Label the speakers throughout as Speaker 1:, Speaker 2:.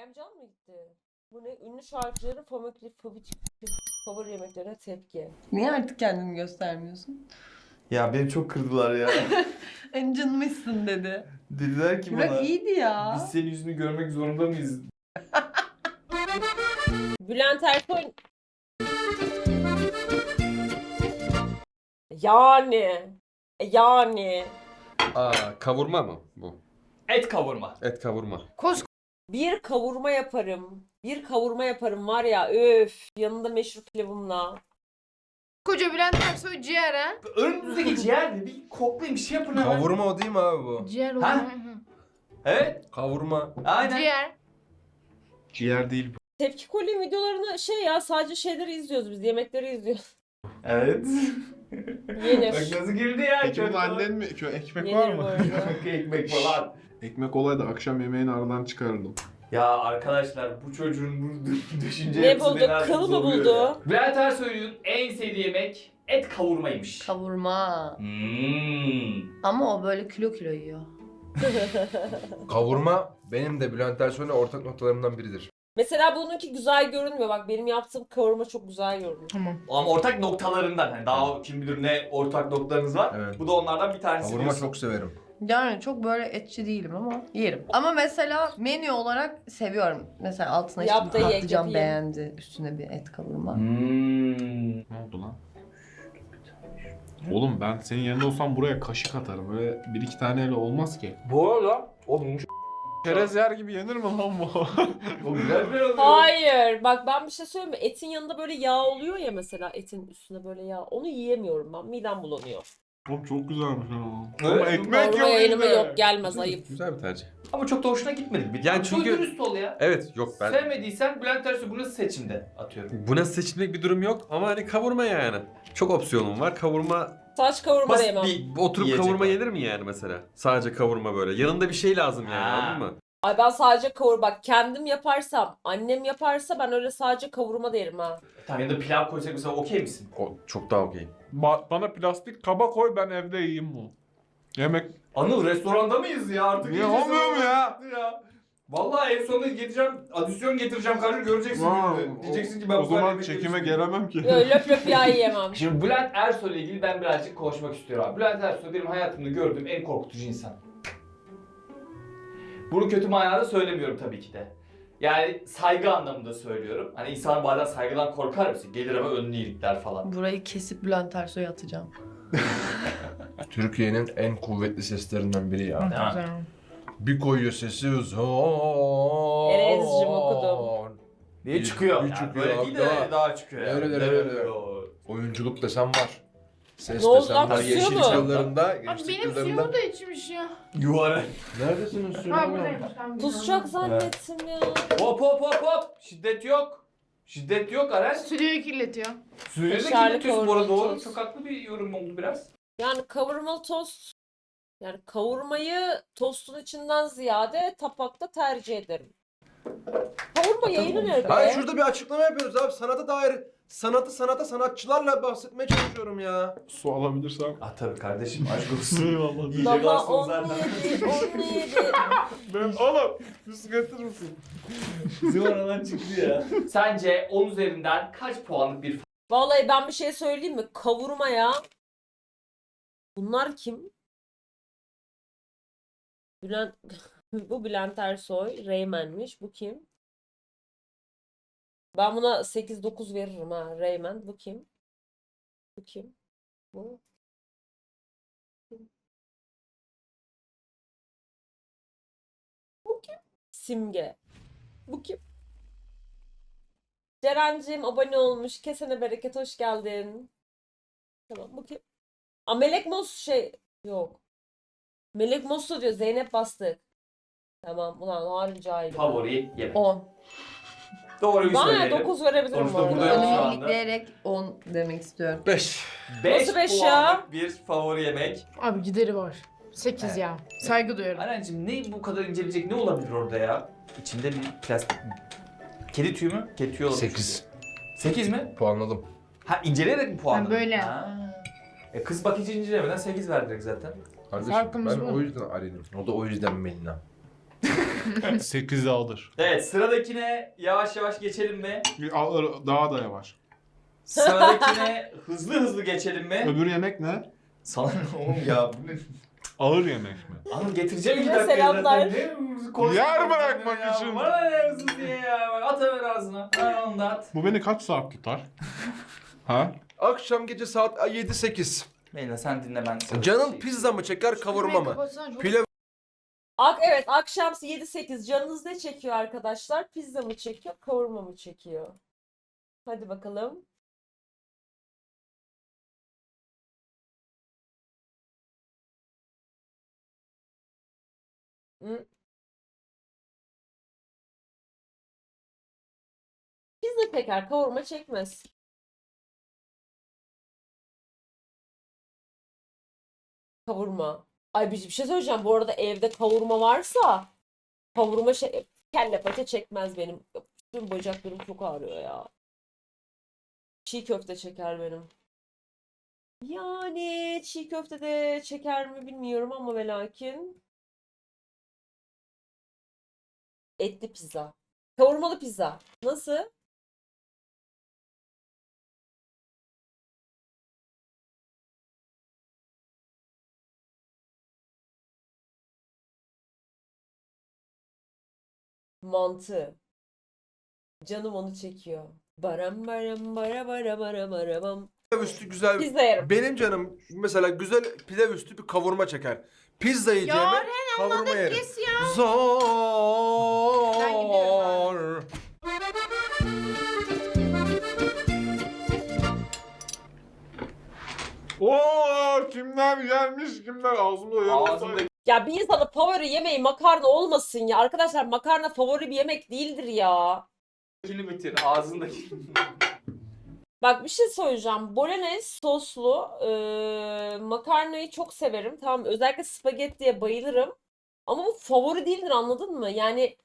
Speaker 1: Emcan mı gitti? Bu ne? Ünlü şarkıcıların favori yemeklerine tepki.
Speaker 2: Niye artık kendini göstermiyorsun?
Speaker 3: Ya beni çok kırdılar ya.
Speaker 2: Encinmişsin dedi.
Speaker 3: Dediler ki bana.
Speaker 2: Burak iyiydi ya.
Speaker 3: Biz senin yüzünü görmek zorunda mıyız?
Speaker 1: Bülent Ersoy... Yani...
Speaker 4: Kavurma mı bu?
Speaker 5: Et kavurma.
Speaker 4: Et kavurma.
Speaker 1: Bir kavurma yaparım. Bir kavurma yaparım var ya öf. Yanında meşhur pilavımla.
Speaker 6: Koca Bülent Ersoy ciğer ha?
Speaker 5: Önümüzdeki ciğer mi? Bir koklayın bir şey yapın hemen.
Speaker 4: Kavurma o değil mi abi bu?
Speaker 6: Ciğer
Speaker 5: Ha?
Speaker 6: olur.
Speaker 5: Evet.
Speaker 4: Kavurma.
Speaker 5: Aynen.
Speaker 6: Ciğer.
Speaker 3: Ciğer değil bu.
Speaker 1: Tepki Kolye videolarını sadece şeyleri izliyoruz biz. Yemekleri izliyoruz.
Speaker 3: Evet.
Speaker 1: Yenir.
Speaker 5: Bak nasıl girdi ya.
Speaker 7: Peki bu
Speaker 5: köfte.
Speaker 7: annen mi? Ekmek
Speaker 1: Yenir
Speaker 7: var
Speaker 1: bu
Speaker 7: mı?
Speaker 1: arada.
Speaker 5: Ekmek falan.
Speaker 7: Ekmek olaydı akşam yemeğini aradan çıkarırdım.
Speaker 5: Ya arkadaşlar bu çocuğun bu düşünce
Speaker 1: Ne
Speaker 5: yapısı
Speaker 1: buldu?
Speaker 5: beni artık
Speaker 1: Kıl mı
Speaker 5: zorluyor
Speaker 1: buldu?
Speaker 5: ya. Bülent Ersoy'un en sevdiği yemek et kavurmaymış.
Speaker 2: Kavurma. Ama o böyle kilo kilo yiyor.
Speaker 4: Kavurma benim de Bülent Ersoy'la ortak noktalarımdan biridir.
Speaker 1: Mesela bununki güzel görünmüyor. Bak benim yaptığım kavurma çok güzel görünüyor.
Speaker 6: Tamam.
Speaker 5: Ama ortak noktalarından. Hani daha kim bilir ne ortak noktalarınız var.
Speaker 4: Evet.
Speaker 5: Bu da onlardan bir tanesi.
Speaker 4: Kavurma
Speaker 5: diyorsun.
Speaker 4: çok severim.
Speaker 2: Yani çok böyle etçi değilim ama yerim. Ama mesela menü olarak seviyorum. Mesela altına işte
Speaker 1: Yap
Speaker 2: bir
Speaker 1: da ye,
Speaker 2: patlıcan
Speaker 1: yapayım.
Speaker 2: beğendi. Üstüne bir et kavurma.
Speaker 7: Ne oldu lan? Oğlum ben senin yerinde olsam buraya kaşık atarım. Böyle bir iki taneyle olmaz ki.
Speaker 5: Bu arada oğlum
Speaker 7: Çerez yer gibi yenir mi lan bu?
Speaker 5: o güzel bir oluyor.
Speaker 1: Hayır. Bak ben bir şey söyleyeyim mi? Etin yanında böyle yağ oluyor ya mesela. Etin üstüne böyle yağ. Onu yiyemiyorum ben. Midem bulanıyor.
Speaker 7: Oğlum çok güzelmiş ha.
Speaker 5: Evet.
Speaker 7: Ama ekmek
Speaker 1: Kavurma
Speaker 7: yok
Speaker 1: yayınıma
Speaker 7: elinde.
Speaker 1: yok gelmez ayıp.
Speaker 4: Güzel bir tercih.
Speaker 5: Ama çok da hoşuna gitmedi. Bir
Speaker 4: Yani çünkü-
Speaker 5: dürüst ol ya.
Speaker 4: Evet yok ben.
Speaker 5: Sevmediysen Bülent Ersoy bu nasıl seçimde atıyorum.
Speaker 4: Buna seçilmek bir durum yok ama hani kavurma yani. Çok opsiyonum var. Kavurma
Speaker 1: Saç kavurma da
Speaker 5: Basit
Speaker 1: yemem.
Speaker 5: bir
Speaker 4: oturup
Speaker 5: yiyecek
Speaker 4: kavurma
Speaker 5: var.
Speaker 4: yenir mi yani mesela? Sadece kavurma böyle. Yanında bir şey lazım yani
Speaker 5: Ha.
Speaker 4: anladın mı?
Speaker 1: Ay ben sadece kavurma. Bak kendim yaparsam, annem yaparsa ben öyle sadece kavurma da yerim ha.
Speaker 5: Tamam ya da pilav koysak mesela okey misin?
Speaker 4: O çok daha okey.
Speaker 7: Bana plastik kaba koy ben evde yiyeyim bu. Yemek...
Speaker 5: Anıl restoranda mıyız ya artık?
Speaker 7: Niye
Speaker 5: iyice
Speaker 7: olmuyor mu ya?
Speaker 5: sıkıntı ya? Vallahi en sonunda getireceğim, adisyon getireceğim kardeşim göreceksin gününü. Diyeceksin ki ben
Speaker 7: o
Speaker 5: bu kadar
Speaker 7: zaman
Speaker 5: yemek
Speaker 7: çekime
Speaker 5: yemişim.
Speaker 7: gelemem ki.
Speaker 1: Yo, löp löp yağ yiyemem.
Speaker 5: Şimdi Bülent Ersoy ile ilgili ben birazcık konuşmak istiyorum abi. Bülent Ersoy benim hayatımda gördüğüm en korkutucu insan. Bunu kötü manada söylemiyorum tabii ki de. Yani saygı anlamında söylüyorum. Hani insan bazen saygıdan korkar mısın? Gelir ama önünü ilikler falan.
Speaker 2: Burayı kesip Bülent Ersoy'a atacağım.
Speaker 4: Türkiye'nin en kuvvetli seslerinden biri ya.
Speaker 5: Değil mi?
Speaker 6: Güzel.
Speaker 4: Bir koyuyor sesi zor.
Speaker 1: Erezciğim okudum.
Speaker 5: Diye
Speaker 4: Bir-
Speaker 5: çıkıyor.
Speaker 4: bir
Speaker 5: Yani
Speaker 4: çıkıyor
Speaker 5: böyle
Speaker 4: abi,
Speaker 5: değil de daha çıkıyor. Yani.
Speaker 4: Öyle. Oyunculuk desem var. Ses
Speaker 1: Ne oldu
Speaker 4: desem
Speaker 1: lan,
Speaker 4: var.
Speaker 1: kusuyor
Speaker 4: Gençlik
Speaker 1: mu?
Speaker 4: yıllarında,
Speaker 6: Abi
Speaker 4: gençlik
Speaker 6: benim
Speaker 4: yıllarında.
Speaker 6: suyumu da içmiş ya.
Speaker 5: Yuvarlak.
Speaker 4: Neredesiniz
Speaker 6: Ha
Speaker 4: suyum?
Speaker 6: buradaymış. Tamam,
Speaker 1: Kusacak zannettim ya.
Speaker 5: Hop hop hop hop. Şiddet yok. Şiddet yok Aren.
Speaker 6: Stüdyoyu kirletiyor.
Speaker 5: Sürede
Speaker 1: Kaşarlı
Speaker 5: kirletiyorsun bu arada
Speaker 1: kavurma
Speaker 5: doğru.
Speaker 1: tost.
Speaker 5: Çok haklı bir yorum oldu biraz.
Speaker 1: Yani kavurmalı tost. Yani kavurmayı tostun içinden ziyade tabakta tercih ederim. Kavurma yayını nerede?
Speaker 4: Hayır şurada bir açıklama yapıyoruz abi. Sanata dair sanata sanatçılarla bahsetmeye çalışıyorum ya.
Speaker 7: Su alabilirsem.
Speaker 5: Ah tabii kardeşim aşk olsun.
Speaker 7: Eyvallah.
Speaker 5: İyice
Speaker 1: Daha
Speaker 5: garson zaten.
Speaker 1: 17, 17.
Speaker 7: Ben oğlum bir su getirir misin?
Speaker 5: Bizim aradan çıktı ya. Sence 10 üzerinden kaç puanlık bir
Speaker 1: Vallahi ben bir şey söyleyeyim mi? Kavurmaya. Bunlar kim? Bülent bu Bülent Ersoy, Reymen'miş. Bu kim? Ben buna 8-9 veririm ha. Reymen. Bu kim? Bu kim? Bu. Kim? Bu kim? Simge. Bu kim? Ceren'cim abone olmuş. Kesene bereket hoş geldin. Tamam bu kim? Aa, Melek Mos yok. Melek Mosu diyor. Zeynep Bastık. Tamam ulan harbi cahil.
Speaker 5: favori yemek?
Speaker 2: 10.
Speaker 5: Doğru bir
Speaker 1: Bana
Speaker 5: söyleyelim.
Speaker 1: 9 verebilirim
Speaker 5: Sonuçta
Speaker 1: bu arada.
Speaker 5: burada yok şu
Speaker 2: Önümü
Speaker 5: anda.
Speaker 2: ilikleyerek 10 demek istiyorum.
Speaker 4: 5.
Speaker 5: 5
Speaker 1: Nasıl beş ya?
Speaker 5: puanlık bir favori yemek.
Speaker 6: Abi gideri var. 8
Speaker 5: Evet.
Speaker 6: ya. Saygı duyuyorum.
Speaker 5: Arencim ne bu kadar inceleyecek ne olabilir orada ya? İçinde bir plastik mi? Kedi tüyü mü? Kedi tüyü olabilir.
Speaker 4: 8.
Speaker 5: 8 mi?
Speaker 4: Puanladım.
Speaker 5: Ha inceleyerek mi puanladın?
Speaker 6: Ben böyle.
Speaker 5: Ha. Kız bak hiç incelemeden 8 verdik zaten.
Speaker 4: Kardeşim
Speaker 6: Farkımız
Speaker 4: ben
Speaker 6: bu.
Speaker 4: o yüzden Aren'im. O da o yüzden Melina.
Speaker 7: 8'i alır.
Speaker 5: Evet, sıradakine yavaş yavaş geçelim mi?
Speaker 7: Alır daha da yavaş.
Speaker 5: Sıradakine hızlı hızlı geçelim mi?
Speaker 3: Öbür yemek ne?
Speaker 5: Sana ne oğlum ya? Bu ne?
Speaker 7: Ağır yemek mi?
Speaker 5: Hanım getireceğim iki
Speaker 1: Yine
Speaker 5: dakika.
Speaker 1: selamlar.
Speaker 7: Yer bırakmak için.
Speaker 5: Bana ne hızlı diye ya. Bak, atıver ağzına. Ha, onu da at.
Speaker 7: Bu beni kaç saat tutar? Ha?
Speaker 4: Akşam gece saat 7-8.
Speaker 5: Meyla sen dinle ben.
Speaker 4: Canın pizza mı çeker kavurma mı? Pilav
Speaker 1: Evet, akşam 7-8 canınız ne çekiyor arkadaşlar? Pizza mı çekiyor, kavurma mı çekiyor? Hadi bakalım. Hı? Pizza çeker, kavurma çekmez. Kavurma. Ay bir şey söyleyeceğim. Bu arada evde kavurma varsa kavurma kelle paça çekmez benim. Tüm bacaklarım çok ağrıyor ya. Çiğ köfte çeker benim. Yani çiğ köfte de çeker mi bilmiyorum ama ve lakin etli pizza. Kavurmalı pizza. Nasıl? Mantı. Canım onu çekiyor. Baram baram bara bara bara bara bam.
Speaker 4: üstü güzel.
Speaker 1: Pizza yerim.
Speaker 4: Benim canım mesela güzel pilav üstü bir kavurma çeker. Pizza yiyeceğime kavurma yerim.
Speaker 6: Kes ya.
Speaker 4: Zor.
Speaker 6: Ben gidiyorum
Speaker 7: Oo, kimler gelmiş kimler ağzımda yanıyor.
Speaker 5: Ağzımda
Speaker 1: Ya bir insanın favori yemeği makarna olmasın ya. Arkadaşlar makarna favori bir yemek değildir ya.
Speaker 5: bitir. Ağzındaki.
Speaker 1: Bak bir şey söyleyeceğim. Bolognese soslu makarnayı çok severim. Tamam özellikle spagettiye bayılırım. Ama bu favori değildir anladın mı? Yani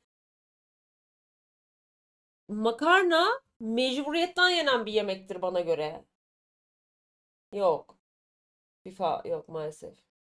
Speaker 1: makarna mecburiyetten yenen bir yemektir bana göre. Yok. FIFA yok maalesef.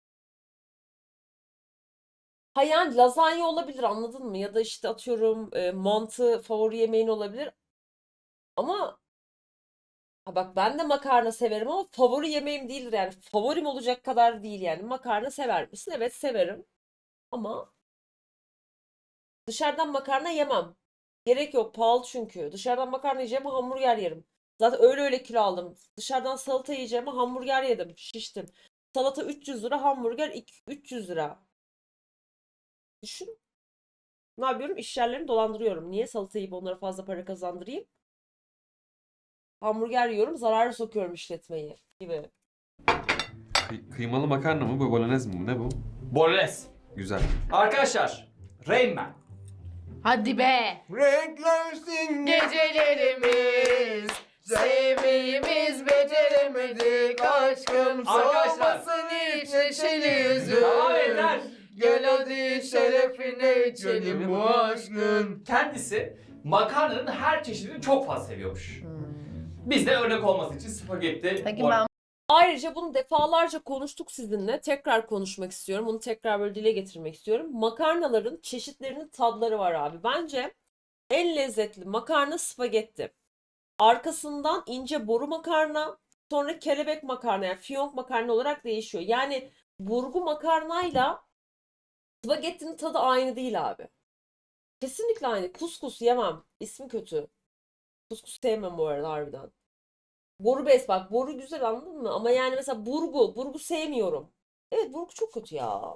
Speaker 1: Ha yani lazanya olabilir anladın mı? Ya da işte atıyorum mantı favori yemeğin olabilir. Ama ha bak ben de makarna severim ama favori yemeğim değildir yani. Favorim olacak kadar değil yani. Makarna sever misin? Evet severim. Ama dışarıdan makarna yemem. Gerek yok pahalı çünkü. Dışarıdan makarna yiyeceğime hamburger yerim. Zaten öyle kilo aldım. Dışarıdan salata yiyeceğime hamburger yedim. Şiştim. Salata 300 lira, hamburger 300 lira. Düşün. Ne yapıyorum? İş yerlerini dolandırıyorum. Niye salata yiyip onlara fazla para kazandırayım? Hamburger yiyorum, zararı sokuyorum işletmeyi gibi.
Speaker 8: Kıymalı makarna mı bu? Bolognese mi bu? Ne bu?
Speaker 5: Bolognese.
Speaker 8: Güzel.
Speaker 5: Arkadaşlar. Rain Man.
Speaker 6: Hadi be.
Speaker 4: Renklensin
Speaker 6: Gecelerimiz, sevmeyimiz beceremedik aşkın
Speaker 5: Arkadaşlar.
Speaker 6: soğumasın hiç neşeli yüzün.
Speaker 5: Tamam yeter.
Speaker 6: Gel hadi şerefine içelim bu aşkın.
Speaker 5: Kendisi makarnanın her çeşidini çok fazla seviyormuş. Biz de örnek olması için spagetti.
Speaker 2: Peki ben
Speaker 1: Ayrıca bunu defalarca konuştuk sizinle. Tekrar konuşmak istiyorum. Bunu tekrar böyle dile getirmek istiyorum. Makarnaların çeşitlerinin tadları var abi. Bence en lezzetli makarna spagetti. Arkasından ince boru makarna, sonra kelebek makarna yani fiyonk makarna olarak değişiyor. Yani burgu makarnayla spagettinin tadı aynı değil abi. Kesinlikle aynı. Kuskus yemem. İsmi kötü. Kuskus sevmem bu arada harbiden. Boru bes bak. Boru güzel anladın mı? Ama yani mesela burgu. Burgu sevmiyorum. Evet burgu çok kötü ya.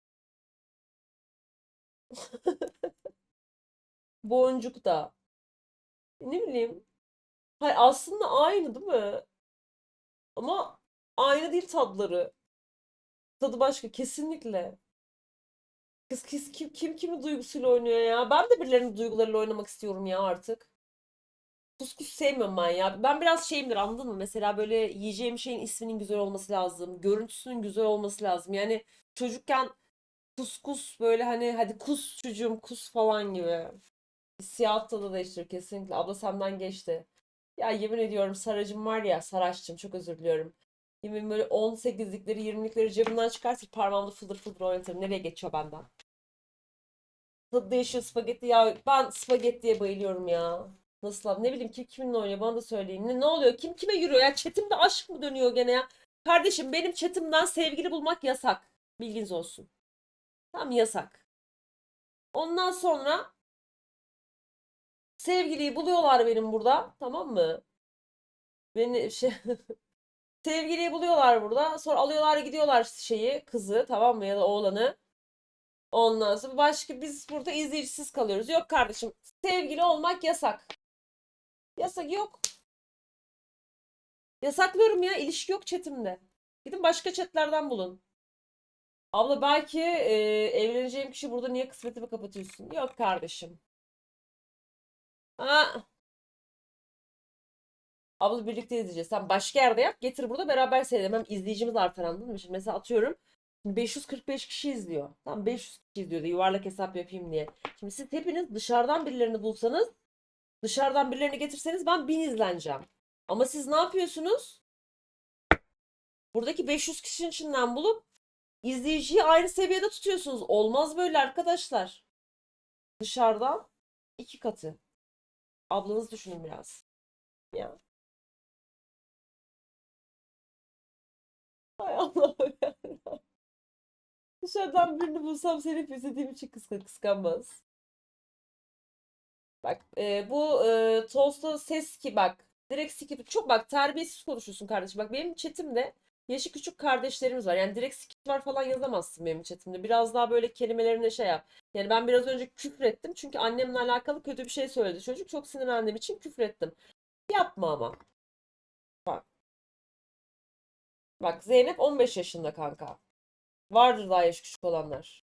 Speaker 1: Boncuk da. Ne bileyim. Hayır aslında aynı değil mi? Ama aynı değil tadları. Tadı başka kesinlikle. Kız kim kimin duygusuyla oynuyor ya? Ben de birilerinin duygularıyla oynamak istiyorum ya artık. Kuskus sevmiyorum ben ya. Ben biraz şeyimdir anladın mı? Mesela böyle yiyeceğim şeyin isminin güzel olması lazım. Görüntüsünün güzel olması lazım. Yani çocukken kuskus böyle hani hadi kus çocuğum kus falan gibi. Siyah tadı değiştir kesinlikle. Abla senden geçti. Ya yemin ediyorum Saracım var ya Saraç'cığım çok özür diliyorum. Yemin böyle 18'likleri 20'likleri cebimden çıkartır parmağımda fıldır fıldır oynatırım. Nereye geçiyor benden? tadı değişiyor spagetti. Ya ben spagettiye bayılıyorum ya. Nasıl abi? Ne bileyim kim kiminle oynuyor bana da söyleyin. Ne oluyor? Kim kime yürüyor ya? Chatimde aşk mı dönüyor gene ya? Kardeşim benim chatimden sevgili bulmak yasak. Bilginiz olsun. Tamam yasak. Ondan sonra sevgiliyi buluyorlar benim burada. Tamam mı? Beni sevgiliyi buluyorlar burada. Sonra alıyorlar gidiyorlar kızı tamam mı ya da oğlanı. Ondan sonra biz burada izleyicisiz kalıyoruz. Yok kardeşim sevgili olmak yasak. Yasak yok. Yasaklıyorum ya ilişki yok chatimde. Gidin başka chatlerden bulun. Abla belki evleneceğim kişi burada niye kısmetimi kapatıyorsun? Yok kardeşim. Ha. Abla birlikte izleyeceğiz. Sen başka yerde yap. Getir burada beraber seyredelim. Hem izleyicimiz artar anladın mı? Şimdi mesela atıyorum. 545 kişi izliyor. Tamam 500 kişi izliyor da yuvarlak hesap yapayım diye. Şimdi siz hepiniz dışarıdan birilerini bulsanız, dışarıdan birilerini getirseniz ben 1000 izleneceğim. Ama siz ne yapıyorsunuz? Buradaki 500 kişinin içinden bulup izleyiciyi aynı seviyede tutuyorsunuz. Olmaz böyle arkadaşlar. Dışarıdan 2 katı. Ablanız düşünün biraz. Ya. Hay Allah'ım ya. Dışarıdan birini bulsam seni hep izlediğim için kıskanmaz. Bak bu Toast'ta ses ki bak. Direkt skip. Çok bak terbiyesiz konuşuyorsun kardeşim. Bak benim chatimde yaşı küçük kardeşlerimiz var. Yani direkt skipler falan yazamazsın benim chatimde. Biraz daha böyle kelimelerine şey yap. Yani ben biraz önce küfrettim. Çünkü annemle alakalı kötü bir şey söyledi çocuk. Çok sinirlendiğim için küfrettim. Yapma ama. Bak. Bak Zeynep 15 yaşında kanka. Vardır daha yaş küçük olanlar.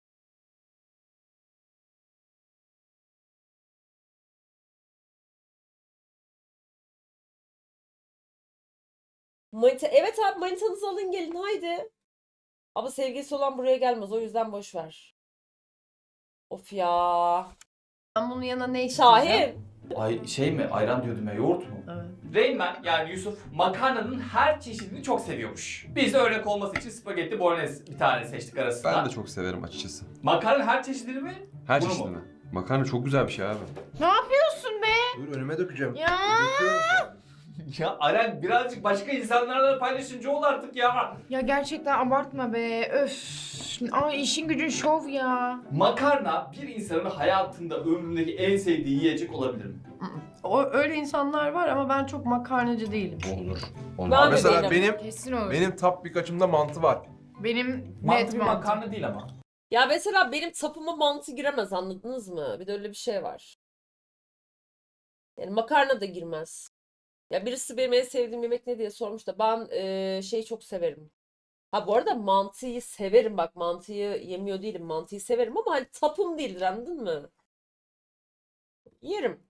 Speaker 1: Manita. Evet abi manitanızı alın gelin haydi. Ama sevgilisi olan buraya gelmez o yüzden boş ver. Of ya.
Speaker 2: Ben bunun yanına ne isteyeceğim?
Speaker 1: Şahin.
Speaker 5: Ay şey mi? Ayran diyordum ya, yoğurt mu?
Speaker 2: Evet.
Speaker 5: Reymen yani Yusuf makarnanın her çeşidini çok seviyormuş. Biz de örnek olması için spagetti bolagnese bir tane seçtik arasından.
Speaker 8: Ben de çok severim açıkçası.
Speaker 5: Makarnanın her çeşidini mi?
Speaker 8: Her
Speaker 5: Bunu mu?
Speaker 8: çeşidini. Makarna çok güzel bir şey abi.
Speaker 6: Ne yapıyorsun be?
Speaker 4: Dur önüme dökeceğim.
Speaker 6: Ya.
Speaker 4: Döküyorum yani.
Speaker 5: Ya Aren birazcık başka insanlarla paylaşınca ol artık ya.
Speaker 6: Ya gerçekten abartma be. Öf. Ay işin gücün şov ya.
Speaker 5: Makarna bir insanın hayatında ömründeki en sevdiği yiyecek olabilir mi?
Speaker 2: Öyle insanlar var ama ben çok makarnacı değilim.
Speaker 8: Olur.
Speaker 1: Ben de
Speaker 4: Mesela
Speaker 1: değilim.
Speaker 6: Kesin olur.
Speaker 4: benim top birkaçımda mantı var.
Speaker 6: Benim
Speaker 5: Mantı
Speaker 6: net
Speaker 5: bir
Speaker 6: mantı.
Speaker 5: makarna değil ama.
Speaker 1: Ya mesela benim tapıma mantı giremez anladınız mı? Bir de öyle bir şey var. Yani makarna da girmez. Ya birisi benim en sevdiğim yemek ne diye sormuş da ben şeyi çok severim. Ha bu arada mantıyı severim bak mantıyı yemiyor değilim mantıyı severim ama hani tapım değildir anladın mı? Yerim.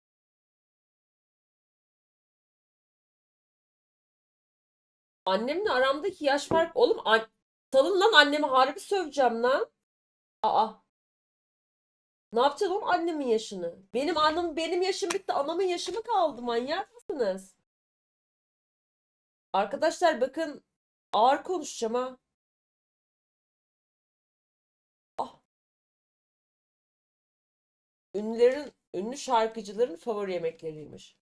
Speaker 1: Annemle aramdaki yaş fark oğlum salın lan annemi harbi söveceğim lan. Aa. Ne yapacağız oğlum annemin yaşını? Benim yaşım bitti anamın yaşı mı kaldı manyak mısınız? Arkadaşlar bakın ağır konuşacağım ha. Ah. Ünlü şarkıcıların favori yemekleriymiş.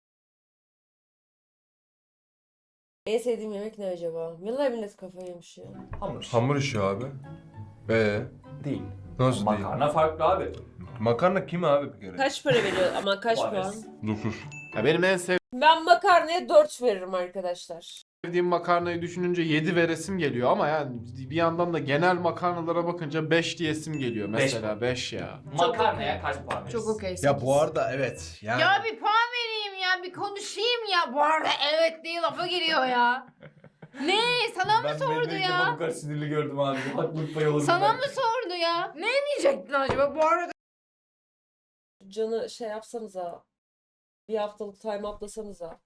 Speaker 1: En sevdiğim yemek ne acaba? Vallahi millet kafayı yemiş ya.
Speaker 5: Hamur.
Speaker 4: Hamur işi abi.
Speaker 5: Değil.
Speaker 4: Nasıl değil?
Speaker 5: Makarna farklı abi.
Speaker 4: Makarna kim abi bir kere?
Speaker 1: Kaç para veriyor ama kaç
Speaker 5: Var
Speaker 1: puan?
Speaker 5: arası.
Speaker 8: 9.
Speaker 7: Ya benim en
Speaker 1: Ben makarnaya 4 veririm arkadaşlar.
Speaker 7: sevdiğim makarnayı düşününce 7 veresim geliyor ama yani bir yandan da genel makarnalara bakınca 5 diyesim geliyor mesela 5 ya.
Speaker 5: Makarnaya kaç puan verirsin?
Speaker 6: Çok okey.
Speaker 4: Ya bu arada evet. Yani
Speaker 6: Ya bir puan vereyim ya, bir konuşayım ya. Bu arada evet diye lafa giriyor ya. Ne? Sana mı sordu ya?
Speaker 5: Bu kadar sinirli gördüm abi. Haklılık payı olur.
Speaker 6: Sana mı sordu ya? Ne diyecektin acaba bu arada?
Speaker 1: Canı şey yapsanıza. Bir haftalık time atlasanıza.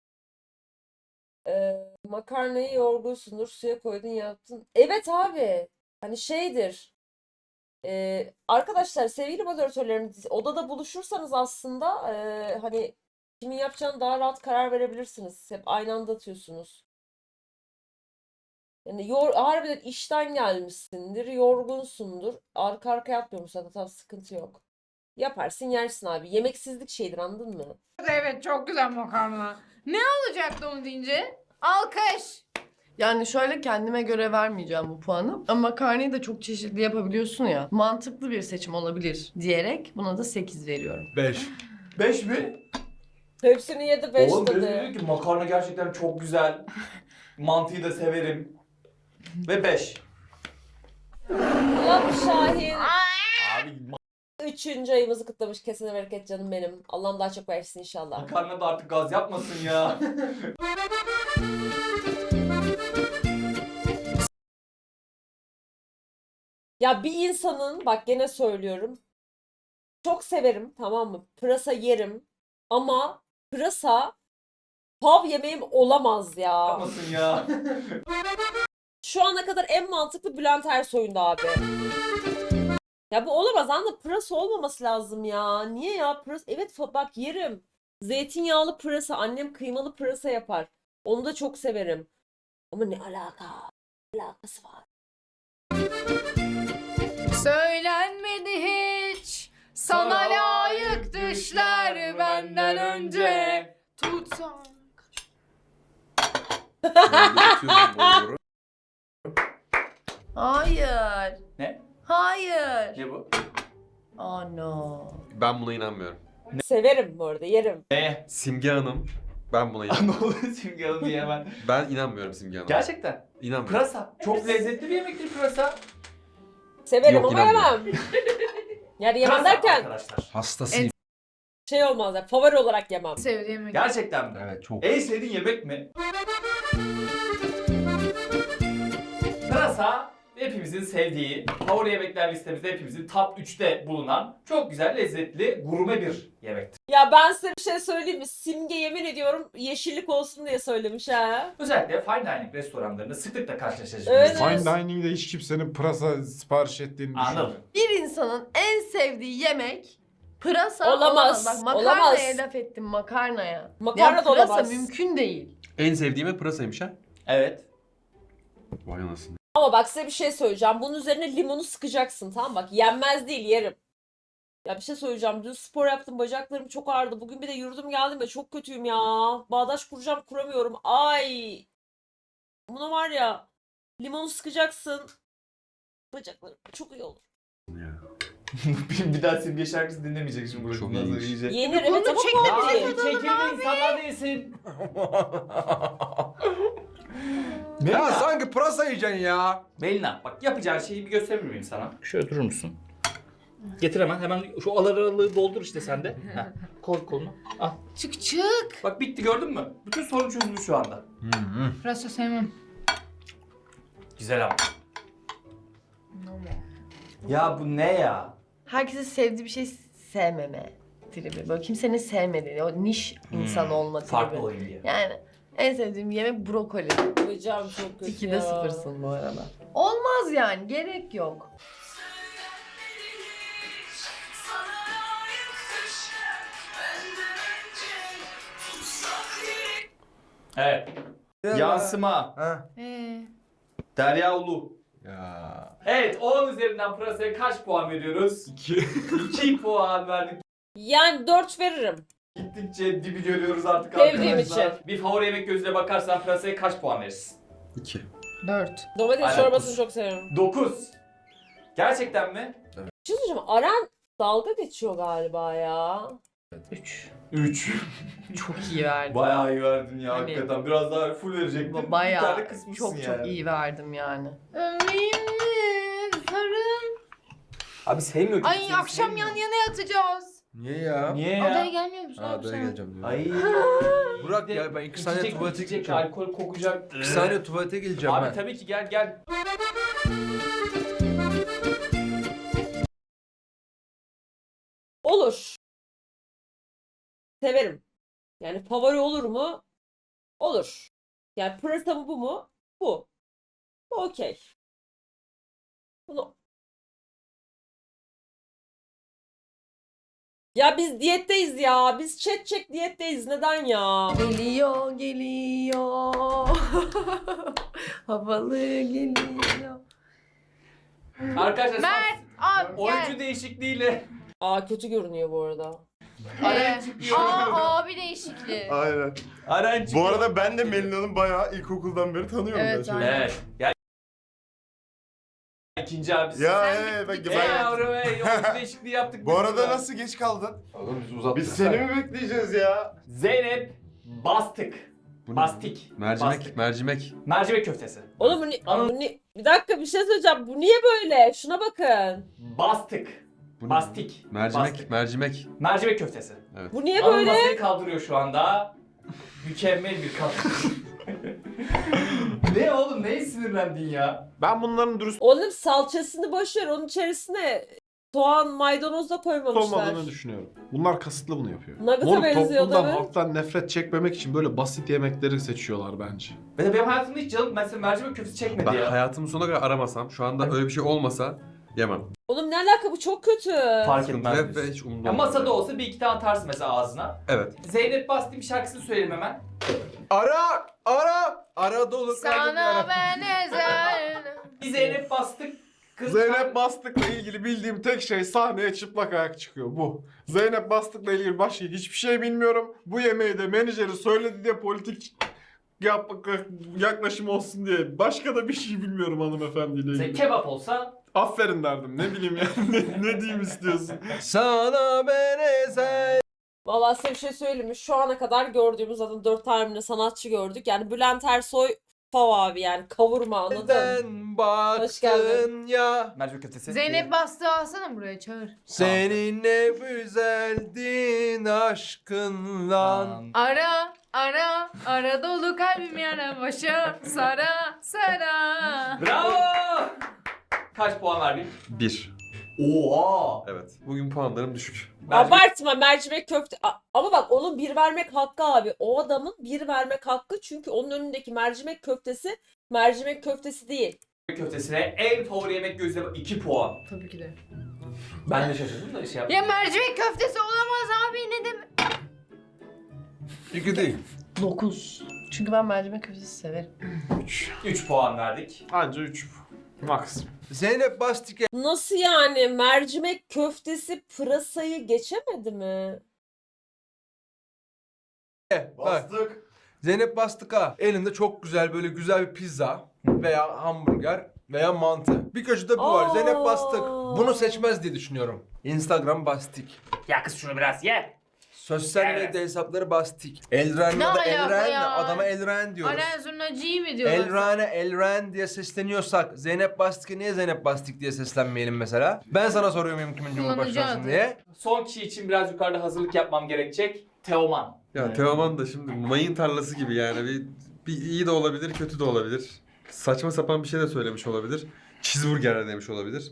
Speaker 1: Makarnayı yoğurgunsundur, suya koydun yaptın. Evet abi. Hani şeydir. Arkadaşlar sevgili moderatörlerim odada buluşursanız aslında hani kimin yapacağını daha rahat karar verebilirsiniz. Hep aynı anda atıyorsunuz. Yani harbiden işten gelmişsindir, yorgunsundur. Arka arkaya yapmıyormuş zaten, tabii sıkıntı yok. Yaparsın yersin abi. Yemeksizlik şeydir, anladın mı?
Speaker 6: Evet çok güzel makarna. Ne olacaktı onu deyince? Alkış.
Speaker 2: Yani şöyle kendime göre vermeyeceğim bu puanı. Ama makarnayı da çok çeşitli yapabiliyorsun ya. Mantıklı bir seçim olabilir diyerek buna da 8 veriyorum.
Speaker 4: 5.
Speaker 5: 5 mi?
Speaker 1: Hepsini yedi 5
Speaker 5: Oğlum
Speaker 1: dedi.
Speaker 5: dedi ki makarna gerçekten çok güzel. Mantıyı da severim. Ve 5.
Speaker 1: Ulan Şahin.
Speaker 5: Abi
Speaker 1: 3. ayımızı kutlamış. Kesene bereket canım benim. Allah'ım daha çok versin inşallah.
Speaker 5: makarna da artık gaz yapmasın ya.
Speaker 1: Ya bir insanın, bak gene söylüyorum, çok severim, tamam mı? Pırasa yerim ama pırasa pav yemeğim olamaz ya.
Speaker 5: Yapmasın ya.
Speaker 1: Şu ana kadar en mantıklı Bülent Ersoy'undu abi. Ya bu olamaz, anladın, pırasa olmaması lazım ya. Niye ya? Pırasa, evet bak yerim. Zeytinyağlı pırasa, annem kıymalı pırasa yapar. Onu da çok severim. Ama ne alaka? Ne alakası var?
Speaker 6: Söylenmedi hiç. Sana layık düşler benden önce. Tutsan.
Speaker 2: Hayır.
Speaker 5: Ne?
Speaker 2: Hayır.
Speaker 5: Ne bu?
Speaker 2: Oh no.
Speaker 8: Ben buna inanmıyorum.
Speaker 1: Severim bu arada, yerim.
Speaker 5: Ne?
Speaker 8: Simge Hanım. Ben buna
Speaker 5: ne
Speaker 8: inanmıyorum.
Speaker 5: oluyor Simge Hanım diye hemen.
Speaker 8: Ben inanmıyorum Simge Hanım.
Speaker 5: Gerçekten.
Speaker 8: İnanmıyorum.
Speaker 5: Pırasa. Çok lezzetli bir yemektir pırasa.
Speaker 1: Severim
Speaker 8: Yok,
Speaker 1: ama
Speaker 8: inanmıyorum.
Speaker 1: yemem. Yani yemem
Speaker 5: Pırasa
Speaker 1: derken
Speaker 5: arkadaşlar.
Speaker 8: Hastasıyım.
Speaker 1: şey olmaz ya, favori olarak yemem.
Speaker 6: Sevdiğim
Speaker 5: Gerçekten mi?
Speaker 8: Evet çok.
Speaker 5: En sevdiğin yemek mi? Pırasa hepimizin sevdiği, favori yemekler listemizde hepimizin top 3'te bulunan çok güzel, lezzetli, gurme bir yemektir.
Speaker 1: Ya ben size bir şey söyleyeyim mi? Simge yemin ediyorum yeşillik olsun diye söylemiş ha.
Speaker 5: Özellikle fine dining restoranlarında sıklıkla karşılaşacağız.
Speaker 1: Evet.
Speaker 7: Fine dining'de hiç kimsenin pırasa sipariş ettiğini
Speaker 5: Anladım.
Speaker 7: düşünmüyorum.
Speaker 2: Bir insanın en sevdiği yemek pırasa
Speaker 1: Olamaz,
Speaker 2: Bak makarnaya
Speaker 1: olamaz.
Speaker 2: laf ettim, makarnaya.
Speaker 1: Makarna
Speaker 2: Ya
Speaker 1: da
Speaker 2: pırasa
Speaker 1: olamaz.
Speaker 2: mümkün değil.
Speaker 8: En sevdiğime pırasaymış ha.
Speaker 5: Evet.
Speaker 8: Vay anasını.
Speaker 1: Ama bak size bir şey söyleyeceğim. Bunun üzerine limonu sıkacaksın, tamam mı? Bak yenmez değil, yerim. Ya bir şey söyleyeceğim. Dün spor yaptım, bacaklarım çok ağrıdı. Bugün bir de yürüdüm geldim ve çok kötüyüm ya. Bağdaş kuracağım, kuramıyorum. Ay. Buna var ya, limonu sıkacaksın. Bacaklarım çok iyi olur.
Speaker 8: Ya.
Speaker 5: bir daha Simge şarkısı dinlemeyecek şimdi burası.
Speaker 8: Çok
Speaker 5: Bundan sonra
Speaker 8: iyiymiş.
Speaker 5: iyice.
Speaker 1: Yenir evet ama
Speaker 6: çekme
Speaker 1: pahalı değil.
Speaker 5: Çekilme insanlar değilsin.
Speaker 4: Ya sanki pırasa yiyeceksin ya.
Speaker 5: Melina bak yapacağın şeyi bir gösterir miyim sana? Şöyle durur musun? Getir hemen şu aralığı doldur işte sen de. Heh, koy kolunu. Al.
Speaker 6: Çık çık.
Speaker 5: Bak bitti gördün mü? Bütün sorun çözüldü şu anda.
Speaker 6: Pırasa sevmem.
Speaker 5: Güzel ama. Ya bu ne ya?
Speaker 2: Herkesin sevdiği bir şey sevmeme tribi. Böyle kimsenin sevmediği, o niş insan olma tribi.
Speaker 5: Farklı olayım diye.
Speaker 2: Yani en sevdiğim yemek brokoli.
Speaker 1: Bacağım çok kötü
Speaker 2: 2'de
Speaker 1: ya.
Speaker 2: 0'sın bu arada. Olmaz yani, gerek yok.
Speaker 5: Evet. Yansıma.
Speaker 4: Ha.
Speaker 5: Derya Ulu.
Speaker 8: Ya.
Speaker 5: Evet 10 üzerinden pırasaya kaç puan veriyoruz?
Speaker 3: 2.
Speaker 5: 2 puan verdik.
Speaker 1: Yani 4 veririm.
Speaker 5: Gittikçe dibi görüyoruz artık
Speaker 1: Sevdiğim
Speaker 5: arkadaşlar.
Speaker 1: için.
Speaker 5: Bir favori yemek gözüyle bakarsan pırasaya kaç puan verirsin?
Speaker 8: 2.
Speaker 6: 4.
Speaker 1: Domates
Speaker 5: Aynen,
Speaker 1: çorbasını
Speaker 5: kus.
Speaker 1: çok seviyorum.
Speaker 5: 9. Gerçekten mi?
Speaker 1: Bir şey söyleyeceğim. Aren dalga geçiyor galiba ya.
Speaker 2: 3.
Speaker 5: 3.
Speaker 2: Çok iyi verdim.
Speaker 5: Bayağı iyi verdin ya
Speaker 2: Hani-
Speaker 5: hakikaten. Biraz daha full verecektin. Bir tane
Speaker 2: Bayağı
Speaker 5: kısmışsın
Speaker 2: çok
Speaker 5: yani.
Speaker 2: çok iyi verdim yani.
Speaker 6: Ömrüm sarım.
Speaker 5: Abi sevmiyor ki.
Speaker 6: Ay akşam yan yana yatacağız.
Speaker 4: Niye ya?
Speaker 5: Niye
Speaker 6: Adaya
Speaker 5: ya?
Speaker 6: gelmiyor musun
Speaker 4: Ha,
Speaker 6: abi
Speaker 4: adaya
Speaker 6: sen?
Speaker 4: geleceğim diyor.
Speaker 5: Ay.
Speaker 4: Burak ya ben 2 saniye
Speaker 5: İçecek,
Speaker 4: tuvalete
Speaker 5: içecek,
Speaker 4: gideceğim.
Speaker 5: alkol kokacak.
Speaker 4: 2 saniye tuvalete geleceğim
Speaker 5: Abi
Speaker 4: ben.
Speaker 5: tabii ki gel.
Speaker 1: Olur. Severim. Yani favori olur mu? Olur. Yani pırasa mı bu mu? Bu. Bu okey. Bunu Ya biz diyetteyiz ya. Biz çek diyetteyiz. Neden ya?
Speaker 2: Geliyor, geliyor. Havalı geliyor.
Speaker 5: Arkadaşlar
Speaker 6: Mert abi
Speaker 5: oyuncu
Speaker 6: gel.
Speaker 5: değişikliğiyle
Speaker 1: Aa kötü görünüyor bu arada.
Speaker 5: Aren çıkıyor.
Speaker 6: Abi değişikliği.
Speaker 3: Aynen.
Speaker 5: Aren çıkıyor.
Speaker 3: Bu arada ben de Melina'nın bayağı ilkokuldan beri tanıyorum.
Speaker 2: Evet,
Speaker 3: ben şöyle.
Speaker 2: aynen.
Speaker 5: Evet. Ya ikinci abisi.
Speaker 3: Ya
Speaker 6: Sen
Speaker 3: bak
Speaker 6: git-
Speaker 5: Ey
Speaker 3: ben...
Speaker 5: yavrum ey oyuncu değişikliği yaptık.
Speaker 3: Bu
Speaker 5: biz
Speaker 3: arada
Speaker 5: burada.
Speaker 3: nasıl geç kaldın?
Speaker 8: Oğlum biz uzattık.
Speaker 3: Biz seni mi bekleyeceğiz ya?
Speaker 5: Zeynep Bastık.
Speaker 8: Bu ne?
Speaker 5: Bastik.
Speaker 8: Mercimek,
Speaker 5: Bastık.
Speaker 8: mercimek.
Speaker 5: Mercimek köftesi.
Speaker 1: Oğlum bir dakika bir şey söyleyeceğim. Bu niye böyle? Şuna bakın.
Speaker 5: Bastık.
Speaker 8: Bu ne?
Speaker 5: Bastik.
Speaker 8: Mercimek,
Speaker 5: Bastık.
Speaker 8: mercimek.
Speaker 5: Mercimek köftesi.
Speaker 1: Bu niye
Speaker 5: Anıl
Speaker 1: böyle?
Speaker 5: masayı kaldırıyor şu anda. Mükemmel bir kadın. Ne oğlum neye sinirlendin ya?
Speaker 7: Ben bunların dürüst
Speaker 1: Oğlum salçasını boş ver. Onun içerisine soğan, maydanoz da koymamışlar.
Speaker 7: olmadığını düşünüyorum. Bunlar kasıtlı bunu yapıyor.
Speaker 1: Nugget'a
Speaker 7: Moruk
Speaker 1: benziyor
Speaker 7: toplumdan,
Speaker 1: değil mi?
Speaker 7: halktan nefret çekmemek için böyle basit yemekleri seçiyorlar bence.
Speaker 5: Ve benim hayatımda hiç canım mesela mercimek köftesi çekmedi
Speaker 8: Ben
Speaker 5: ya.
Speaker 8: hayatımın sonuna kadar aramasam, şu anda öyle bir şey olmasa yemem.
Speaker 1: Oğlum ne alaka bu çok kötü.
Speaker 5: Fark
Speaker 8: Sıkıntı
Speaker 5: etmez.
Speaker 8: hep ve
Speaker 5: diyorsun.
Speaker 8: hiç umurumda
Speaker 5: Ya
Speaker 8: olmaz.
Speaker 5: masada olsa bir iki tane atarsın mesela ağzına.
Speaker 8: Evet.
Speaker 5: Zeynep Bastik'in şarkısını söyleyeyim hemen.
Speaker 4: Ara dolu kalbim
Speaker 6: Sana
Speaker 4: yara.
Speaker 6: ben ezel.
Speaker 5: Bir Zeynep Bastık. Kız
Speaker 7: Zeynep Bastık'la ilgili bildiğim tek şey sahneye çıplak ayak çıkıyor bu. Zeynep Bastık'la ilgili başka hiçbir şey bilmiyorum. Bu yemeği de menajeri söyledi diye politik yaklaşım olsun diye. Başka da bir şey bilmiyorum hanımefendiyle
Speaker 5: Mesela
Speaker 7: ilgili.
Speaker 5: kebap olsa
Speaker 7: Aferin derdim. Ne bileyim yani ne diyeyim istiyorsun.
Speaker 4: Sana ben ezel.
Speaker 1: Valla size bir şey söyleyeyim mi? Şu ana kadar gördüğümüz zaten 4 tane sanatçı gördük. Yani Bülent Ersoy fav abi yani kavurma anladın mı?
Speaker 4: Neden
Speaker 1: Hoş geldin.
Speaker 4: baktın ya?
Speaker 5: mercimek köftesi.
Speaker 6: Zeynep bastığı alsana buraya çağır.
Speaker 4: Seninle güzeldin aşkınla.
Speaker 6: Ara dolu kalbim yara başa sara.
Speaker 5: Bravo! Kaç puan verdin?
Speaker 8: 1.
Speaker 5: Oha!
Speaker 8: Evet. Bugün puanlarım düşük.
Speaker 1: Abartma mercimek köfte. Ama bak onun bir vermek hakkı abi. O adamın bir vermek hakkı çünkü onun önündeki mercimek köftesi mercimek köftesi değil.
Speaker 5: Köftesine en favori yemek gözleme 2 puan.
Speaker 2: Tabii ki de.
Speaker 5: Ben de şaşırdım da şey yaptım.
Speaker 6: Ya mercimek köftesi olamaz abi ne demek?
Speaker 4: 2 değil.
Speaker 2: 9. Çünkü ben mercimek köftesi severim.
Speaker 5: 3 puan verdik.
Speaker 7: Anca 3 max.
Speaker 4: Zeynep Bastik'e
Speaker 1: Nasıl yani mercimek köftesi pırasayı geçemedi mi?
Speaker 4: bak. Zeynep Bastık'a elinde çok güzel böyle güzel bir pizza veya hamburger veya mantı. Bir köşede bu var.
Speaker 1: Aa.
Speaker 4: Zeynep Bastık. Bunu seçmez diye düşünüyorum. Instagram Bastik.
Speaker 5: Ya kız şunu biraz ye.
Speaker 4: Sosyal
Speaker 5: Evet.
Speaker 4: medya hesapları Bastik. Elren
Speaker 6: Ne
Speaker 4: ya da
Speaker 6: alaka
Speaker 4: Elren
Speaker 6: ya?
Speaker 4: adama Elren diyoruz.
Speaker 6: Aren zurnacıyı mı diyorlar?
Speaker 4: Elren diye sesleniyorsak Zeynep Bastik'e niye Zeynep Bastik diye seslenmeyelim mesela? Ben sana soruyor muyum kimin cumhurbaşkanısın
Speaker 6: Kullanıcı
Speaker 4: diye?
Speaker 5: Son kişi için biraz yukarıda hazırlık yapmam gerekecek. Teoman.
Speaker 8: Ya Teoman da şimdi mayın tarlası gibi yani. Bir iyi de olabilir, kötü de olabilir. Saçma sapan bir şey de söylemiş olabilir. Cheeseburger de demiş olabilir.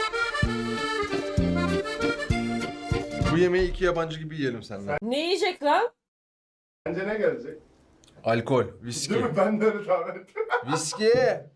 Speaker 4: Bu yemeği iki yabancı gibi yiyelim seninle.
Speaker 1: Ne yiyecek lan?
Speaker 3: Bence ne gelecek?
Speaker 4: Alkol, viski.
Speaker 3: Değil mi? Ben de öyle tahmin ettim.
Speaker 4: Viski.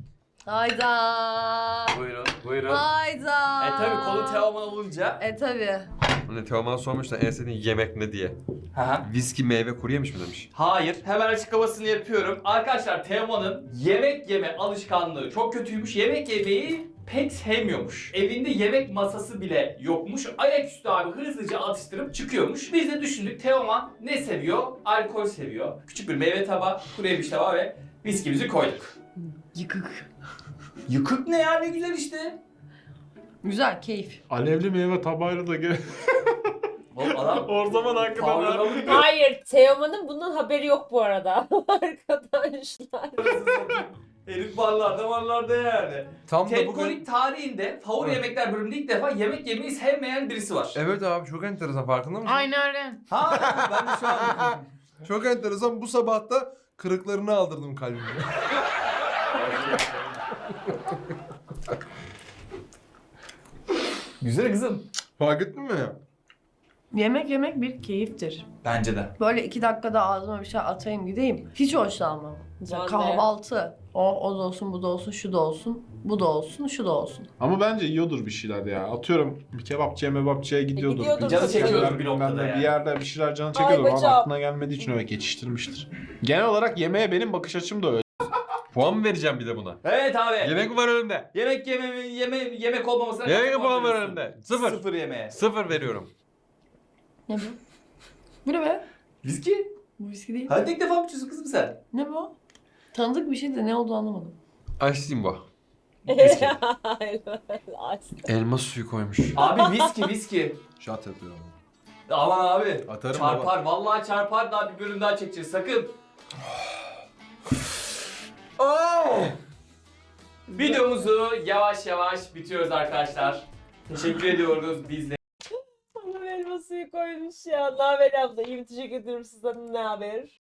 Speaker 2: Hayda.
Speaker 5: Buyurun, buyurun.
Speaker 2: Hayda.
Speaker 5: Tabi konu Teoman olunca.
Speaker 2: Tabii.
Speaker 8: Hani Teoman sormuş da en sevdiğin yemek ne diye.
Speaker 5: Hı.
Speaker 8: Viski, meyve, kuru yemiş mi demiş.
Speaker 5: Hayır, hemen açıklamasını yapıyorum. Arkadaşlar Teoman'ın yemek yeme alışkanlığı çok kötüymüş. Yemek yemeyi pek sevmiyormuş. Evinde yemek masası bile yokmuş. Ayaküstü abi hızlıca atıştırıp çıkıyormuş. Biz de düşündük Teoman ne seviyor? Alkol seviyor. Küçük bir meyve tabağı, kuru yemiş tabağı ve viskimizi koyduk.
Speaker 2: Yıkık.
Speaker 5: Yıkık ne ya ne güzel işte.
Speaker 2: Güzel, keyif.
Speaker 7: Alevli meyve tabağıyla da gel.
Speaker 5: Oğlum adam
Speaker 7: O zaman hakikaten
Speaker 5: Kavralı
Speaker 1: Hayır Teoman'ın bundan haberi yok bu arada. Arkadaşlar.
Speaker 5: herif varlarda yani.
Speaker 4: Tam da
Speaker 5: Tedkolik
Speaker 4: bugün...
Speaker 5: tarihinde favori
Speaker 4: Evet.
Speaker 5: yemekler bölümünde ilk defa yemek yemeyi sevmeyen birisi var.
Speaker 4: Evet abi çok enteresan farkında mısın?
Speaker 6: Aynı Aren.
Speaker 5: Ha ben de şu an
Speaker 4: Çok enteresan bu sabah da kırıklarını aldırdım kalbime.
Speaker 5: Güzel kızım.
Speaker 4: Fark ettin mi?
Speaker 2: Yemek yemek bir keyiftir.
Speaker 5: Bence de.
Speaker 2: Böyle 2 dakikada ağzıma bir şey atayım gideyim. Hiç hoşlanmam. Mesela
Speaker 1: Ben de.
Speaker 2: kahvaltı. O da olsun, bu da olsun, şu da olsun. Bu da olsun, şu da olsun.
Speaker 7: Ama bence yiyordur bir şeyler ya. Atıyorum bir kebapçıya mebapçıya gidiyordur.
Speaker 1: gidiyordur
Speaker 5: Canı
Speaker 1: tabii.
Speaker 5: çekiyordur bir noktada
Speaker 7: Ben de
Speaker 5: yani.
Speaker 7: bir yerde bir şeyler canı
Speaker 1: Ay
Speaker 7: çekiyordur. Ama
Speaker 1: bacağım.
Speaker 7: aklına gelmediği için öyle geçiştirmiştir. Genel olarak yemeğe benim bakış açım da öyle.
Speaker 8: Puan mı vereceğim bir de buna?
Speaker 5: Evet abi.
Speaker 8: Yemek mi var önümde?
Speaker 5: Yemek olmamasına
Speaker 8: Yemek
Speaker 5: kaç
Speaker 8: mi puan var
Speaker 5: veriyorsun?
Speaker 8: önümde? Sıfır.
Speaker 5: Sıfır yemeğe.
Speaker 8: 0 veriyorum.
Speaker 2: Ne bu? Bu ne be?
Speaker 5: Viski?
Speaker 2: Bu viski değil.
Speaker 5: Hadi ilk defa mı içiyorsun kızım sen?
Speaker 2: Ne bu? Tanıdık bir şey de ne olduğunu anlamadım.
Speaker 8: Açtım bu.
Speaker 1: Aç.
Speaker 8: Elma suyu koymuş.
Speaker 5: Abi viski.
Speaker 4: Şat yapıyorum.
Speaker 5: Aman abi.
Speaker 4: Atarım
Speaker 5: Çarpar. Vallahi çarpar. Daha bir bölüm daha çekeceğiz. Sakın. Videomuzu yavaş yavaş bitiyoruz arkadaşlar. Teşekkür ediyoruz bizle.
Speaker 1: Sana elma suyu koymuş ya. Ne haber abla? İyi, teşekkür ediyorum sizden. Ne haber?